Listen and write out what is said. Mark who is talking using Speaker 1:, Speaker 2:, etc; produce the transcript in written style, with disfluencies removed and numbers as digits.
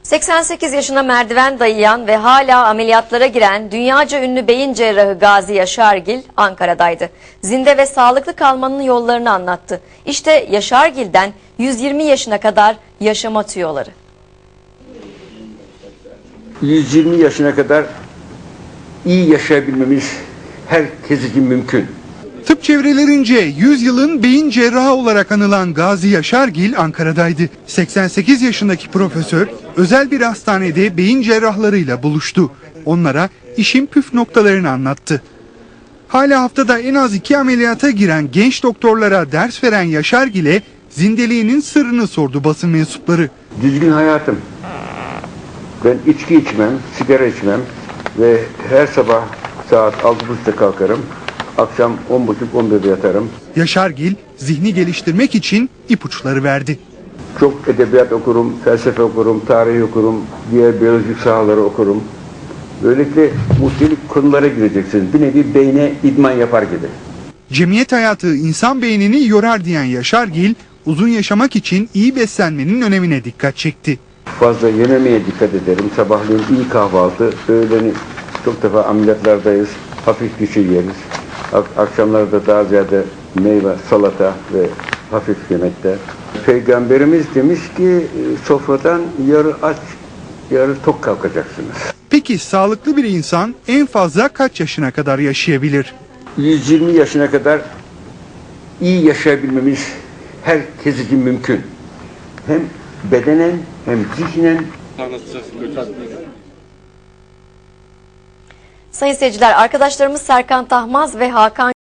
Speaker 1: 88 yaşına merdiven dayayan ve hala ameliyatlara giren dünyaca ünlü beyin cerrahı Gazi Yaşargil Ankara'daydı. Zinde ve sağlıklı kalmanın yollarını anlattı. İşte Yaşargil'den 120 yaşına kadar yaşama tüyoları.
Speaker 2: 120 yaşına kadar iyi yaşayabilmemiz herkes için mümkün.
Speaker 3: Tıp çevrelerince 100 yılın beyin cerrahı olarak anılan Gazi Yaşargil Ankara'daydı. 88 yaşındaki profesör özel bir hastanede beyin cerrahlarıyla buluştu. Onlara işin püf noktalarını anlattı. Hala haftada en az 2 ameliyata giren genç doktorlara ders veren Yaşargil'e zindeliğinin sırrını sordu basın mensupları.
Speaker 2: Düzgün hayatım. Ben içki içmem, sigara içmem ve her sabah saat 6.30'da kalkarım. Akşam 10.30-11'de yatarım.
Speaker 3: Yaşargil zihni geliştirmek için ipuçları verdi.
Speaker 2: Çok edebiyat okurum, felsefe okurum, tarih okurum, diğer biyolojik sahaları okurum. Böylelikle muhtelif konulara gireceksiniz. Bir nevi beyne idman yapar gibi.
Speaker 3: Cemiyet hayatı insan beynini yorar diyen Yaşargil, uzun yaşamak için iyi beslenmenin önemine dikkat çekti.
Speaker 2: Fazla yememeye dikkat ederim. Sabahleyin iyi kahvaltı, öğleni çok defa ameliyatlardayız. Hafif bir şey yeriz. Akşamlarda daha ziyade meyve, salata ve hafif yemekler. Peygamberimiz demiş ki sofradan yarı aç, yarı tok kalkacaksınız.
Speaker 3: Peki sağlıklı bir insan en fazla kaç yaşına kadar yaşayabilir?
Speaker 2: 120 yaşına kadar iyi yaşayabilmemiz herkes için mümkün. Hem bedenen hem zihnen.
Speaker 1: Sayın seyirciler, arkadaşlarımız Serkan Tahmaz ve Hakan